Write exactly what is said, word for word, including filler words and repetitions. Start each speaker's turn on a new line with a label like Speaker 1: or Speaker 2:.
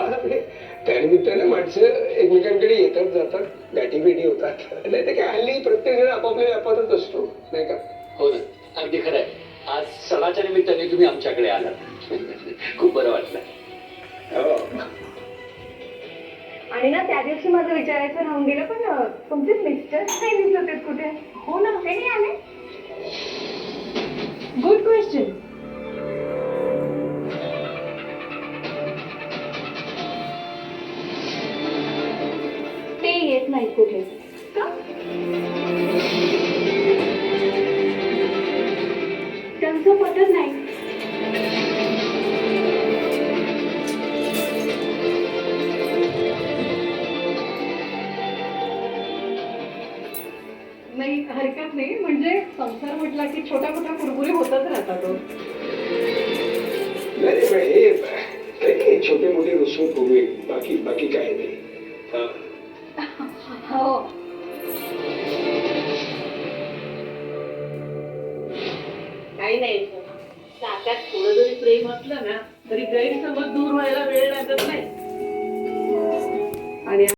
Speaker 1: म्हणजे त्यानिमित्ताने माणसं एकमेकांकडे येतात जातात गाठीभेटी होतात नाही तर काय हल्ली प्रत्येक जण आपापल्या व्यापारात असतो नाही का.
Speaker 2: हो ना अगदी खरं आहे. आज सणाच्या निमित्ताने तुम्ही आमच्याकडे आलात खूप बरं वाटलं.
Speaker 1: हो.
Speaker 3: आणि ना त्या दिवशी माझं विचारायचं राहून गेलं पण तुमचे मिस्टर नाही दिसत आहेत कुठे. हो ना ते नाही आले. Good question. ते येत नाही कुठे का. त्यांचं पटत नाही. नाही हरकत नाही म्हणजे संसार म्हटला की छोटा मोठा कुरबुरी होतच राहतात.
Speaker 1: नाही हे छोटे मोठे रुसून पूर्वी बाकी बाकी काय नाही.
Speaker 3: हो
Speaker 4: काही नाही नात्यात थोडं जरी प्रेम असलं ना तरी गैरसमज दूर व्हायला वेळ लागत नाही. आणि